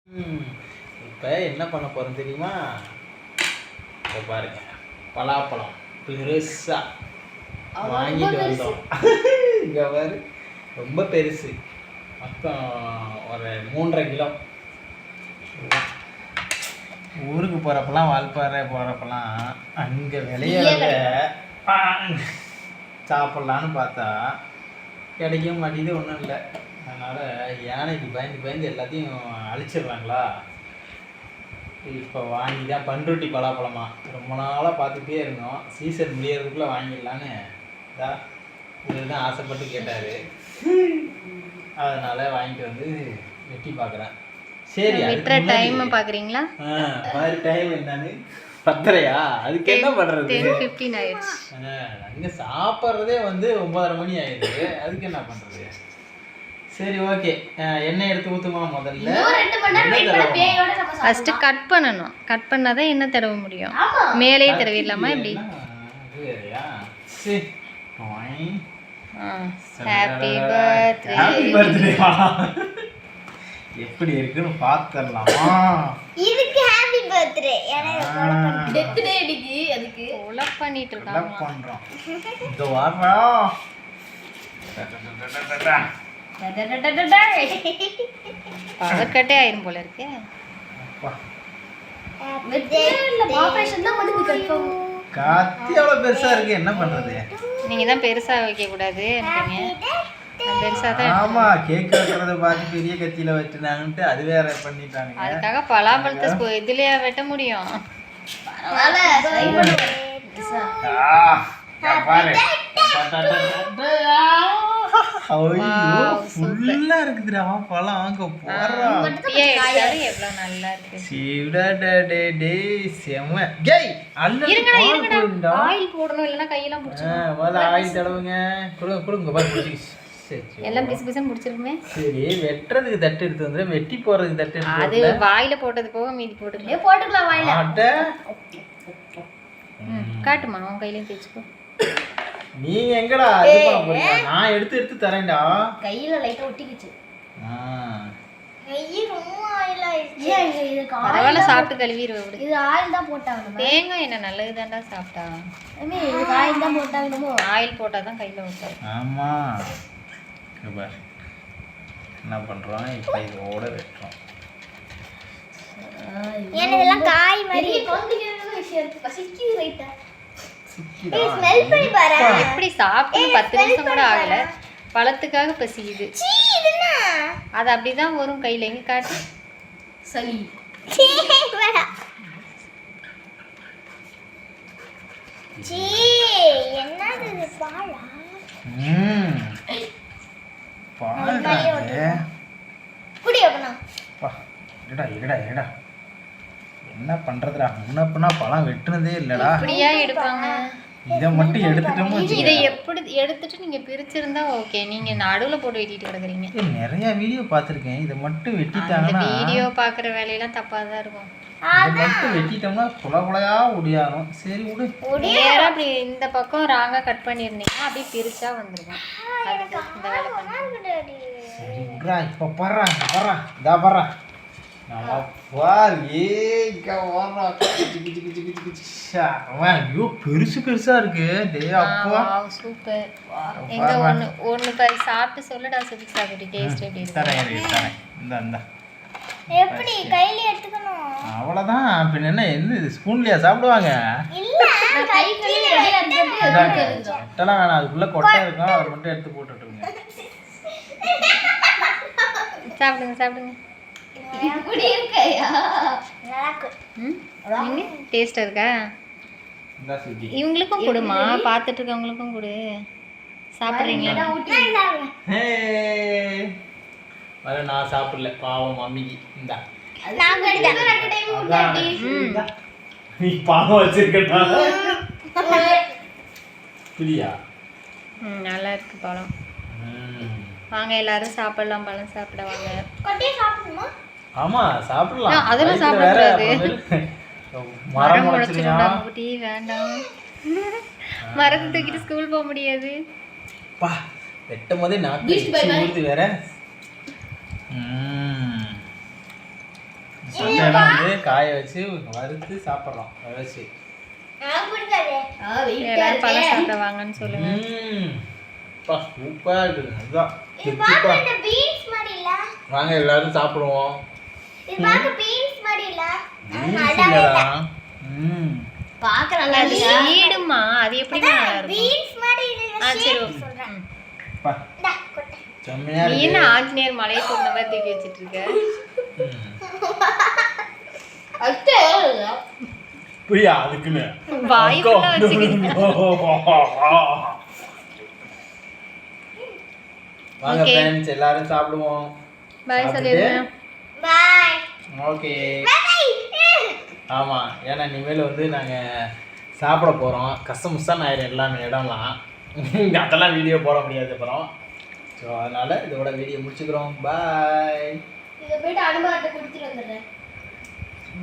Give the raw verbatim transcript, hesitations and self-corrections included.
ம் இப்போ என்ன பண்ண போகிறோம் தெரியுமா? இப்போ பாருங்க, பலாப்பழம் பெருசாக வாங்கிட்டு வந்தோம். இங்கே பாரு, ரொம்ப பெருசு, மொத்தம் ஒரு மூன்றரை கிலோ. ஊருக்கு போகிறப்பெல்லாம் வால்பாறை போகிறப்பெல்லாம் அங்கே விளையாட சாப்பிட்லான்னு பார்த்தா கிடைக்க மாட்டேங்குது, ஒன்றும் இல்லை. அதனால் யானைக்கு பயந்து பயந்து எல்லாத்தையும் அழிச்சிடுறாங்களா. இப்போ வாங்கி தான் பண்ருட்டி பலாப்பழமா ரொம்ப நாளாக பார்த்துட்டே இருந்தோம். சீசன் முடியறதுக்குள்ளே வாங்கிடலான்னு தான் இவர் தான் ஆசைப்பட்டு கேட்டார். அதனால் வாங்கிட்டு வந்து வெட்டி பார்க்குறேன். சரி, விட்டுற டைம் பார்க்குறீங்களா? ஆ மாதிரி டைம் என்னன்னு பத்தரையா? அதுக்கு என்ன பண்ணுறது? டென் ஃபிஃப்டீன் ஆயிடுச்சு. அங்கே சாப்பிட்றதே வந்து ஒன்பதரை மணி ஆயிடுது. அதுக்கு என்ன பண்ணுறது? சரி, ஓகே. எண்ணெய் எடுத்து ஊற்றுமா முதல்ல? ஃபர்ஸ்ட் கட் பண்ணணும். கட் பண்ணாதான் என்ன தடவ முடியும். மேலே தடவிடலாமா இப்படி? Happy birthday. ஹாப்பி பர்த்டே எப்படி இருக்குன்னு பாத்துறலாமா? இதுக்கு ஹாப்பி பர்த்டே. எனக்கு டெத் டே அடிக்கு, அதுக்கு ஒலப் பண்ணிட்டு இருக்காங்க. ஒலப் பண்றோம். இந்த வாரம் பவர் கட்டே ஆயிரும் போல இருக்கே. காத்தி எவ்வளவு பெருசா இருக்கு, என்ன பண்றது? நீங்க தான் பெருசா வைக்க கூடாது பெருசா தான். ஆமா, கேக் வெட்டுறத பார்த்து பெரிய கத்தியில வெட்டினாங்கன்ட்டு அது வேற பண்ணிட்டாங்க. அதுக்காக பலாப்பழத்தை இதுலயா வெட்ட முடியும்? ஃபுல்லா இருக்குதுடா பழம். அங்க போறா எவ்வளவு நல்லா இருக்கு. சீடா டே டே செம கேய். அல்ல இருங்கடா இருங்கடா, ஆயில் போடணும் இல்லனா கையெல்லாம் புடிச்சு. முதல்ல ஆயில் தடவுங்க. குடுங்க குடுங்க பாரு. எல்லாம் பிசு பிசுன்னு புடிச்சிருக்குமே. சரி, வெட்றதுக்கு தட்டு எடுத்து வந்து வெட்டி போறதுக்கு தட்டு எடுத்து அது வாயில போட்டது போக மீதி போட்டுக்கலாம். போட்டுக்கலாம் வாயில. அட காட்டுமா, உன் கையிலயும் தேய்ச்சுக்கோ. நீ எங்கடா இது பண்ண போறீங்க? நான் எடுத்து எடுத்து தரேன்டா. கையில லைட்டா ஒட்டிக்கிச்சு. ஆ கை ரொம்ப ஆயில் ஆயிடுச்சு. ஏன் இது பரவாயில்ல, சாப்பிட்டு கழுவிடுவே விடு. இது ஆயில் தான் போட்டாங்க. தேங்காய் என்ன நல்லது தான்டா சாப்பிட்டா. அம்மே இது ஆயில் தான் போட்டாங்கமோ. ஆயில் போட்டா தான் கையில ஒட்டாது. ஆமா, பார் என்ன பண்றோம் இப்போ. இதோட வெட்டுறோம். ஏன்னா இதெல்லாம் காய் மாதிரி கொண்டுகிறது விஷயம் இருக்கு. பசிக்குது ரைட்டா. சிக்கிடா. ஸ்மெல் பண்ணி பாரு. எப்படி சாப்பிட்டு பத்து நிமிஷம் கூட ஆகல, பழத்துக்காக பசிக்குது. சீ இதுனா அது அப்படிதான் வரும் கையில. எங்க காட்டு சளி. சீ வேடா. சீ என்னது இது பாலா? ம் பால்டா இது. குடி அப்பனா. பா இருடா இருடா இருடா. என்ன பண்றதுடா? முன்னப்பனா பழம் வெட்டுனதே இல்லடா. இப்படியா எடுப்பாங்க? இத மட்டும் எடுத்துட்டோம். இதை எப்படி எடுத்துட்டு நீங்க பிரிச்சிருந்தா ஓகே. நீங்க நடுவுல போட்டு வெட்டிட்டு கிடக்குறீங்க. நிறைய வீடியோ பார்த்திருக்கேன். இத மட்டும் அந்த வெட்டிட்டாங்கன்னா வீடியோ பாக்குற வேலையெல்லாம் தப்பா தான் இருக்கும். இத மட்டும் வெட்டிட்டோம்னா குல குலையா ஒடியாரும். சரி விடு. நேரா அப்படி இந்த பக்கம் ராங்கா கட் பண்ணிருந்தீங்கன்னா அப்படியே பிரிச்சா வந்துருக்கும். அதுக்கு இந்த வேலை பண்ணு. சரி விடுறா. இப்ப பாறா பாறா இதா பாறா. நம்ம பார் ஏங்க ஓரா கிச்சி கிச்சி கிச்சி கிச்சி கிச்சி. ஷாமா யோ பெருசு பெருசா இருக்கு. டேய் அப்பா சூப்பர். எங்க ஒன்னு ஒன்னு பை சாப்பிட்டு சொல்லுடா சுபிக் சாப்பிட்டு டேஸ்ட் எப்படி இருக்கு. தரேன் தரேன். இந்த இந்த எப்படி கையில எடுத்துக்கணும்? அவ்வளவுதான். பின்ன என்ன என்ன இது ஸ்பூன்லயா சாப்பிடுவாங்க? இல்ல கை கழுவி ரெடியா இருக்கு. எட்டலாம் வேணாம், அதுக்குள்ள கொட்டை இருக்கும். அதை மட்டும் எடுத்து போட்டுட்டுருங்க. சாப்பிடுங்க சாப்பிடுங்க. இப்படி இருக்கயா? நல்லா இருக்கு. ம் டேஸ்டா இருக்கா? இந்த சுஜி இவங்களுக்கும் கொடுமா, பார்த்துட்டு இருக்கவங்களுக்கும் கொடு. சாப்பிடுறீங்களா? ஹே வர நான் சாப்பிடல பாவம் மம்மிக்கு. இந்தா நான் கடிதம் ரெண்டு டைம் ஊட்டாடி. நீ பாவம் வச்சிருக்கடா. புரியா? ம் நல்லா இருக்கு பழம். வாங்க எல்லாரும் சாப்பிடலாம். பழம் சாப்பிட வாங்க. கொட்டையை சாப்பிடணுமா? ஆமா சாப்பிடலாம். அதெல்லாம் சாப்பிடக்கூடாது. மரம் முளைச்சிருந்தா குட்டி வேண்டாம். மரத்தை தூக்கிட்டு ஸ்கூல் போக முடியாது. பா வெட்டும் போதே நாக்கு ஊறுது வேற. ம் மட்டையெல்லாம் வந்து காய வச்சு வறுத்து சாப்பிட்றோம் வச்சு. நான் பிடிக்காதே. எல்லாரும் பழம் சாப்பிட வாங்கன்னு சொல்லுங்க. ம் பா சூப்பராக இருக்குது. அதுதான் இது பார்க்க இந்த பீன்ஸ் மாதிரி இல்ல? வாங்க எல்லாரும் சாப்பிடுவோம். இது பார்க்க பீன்ஸ் மாதிரி இல்ல? பீன்ஸ் இல்லடா. ம் பார்க்க நல்லா அது சீடுமா, அது எப்படி நல்லா இருக்கும்? பீன்ஸ் மாதிரி இல்ல. ஆ சரி ஓகே. சொல்றேன். பா டா கொட்டை. செம்மையா நீ இருக்கு. என்ன ஆஞ்சநேயர் மலையை தூண்ட மாதிரி தூக்கி வச்சிட்டு இருக்க? ம். அத்தை பிரியா அதுக்குன்னு வாய் ஃபுல்லா வச்சுக்கிட்டு. வாங்க Okay. ஃப்ரெண்ட்ஸ் எல்லாரும் சாப்பிடுவோம். பாய் சொல்லிடுங்க. பை. ஓகே. பை. ஆமா ஏன்னா இனிமேல் வந்து நாங்க சாப்பிட போறோம். கசமுசான்னு ஆயிரும் எல்லாமே இடம்லாம். அதெல்லாம் வீடியோ போட முடியாது அப்புறம். ஸோ அதனால இதோட வீடியோ முடிச்சுக்கிறோம். பாய். இத போய்ட்டு அனுபவத்தை கொடுத்துட்டு வந்துடுறேன்.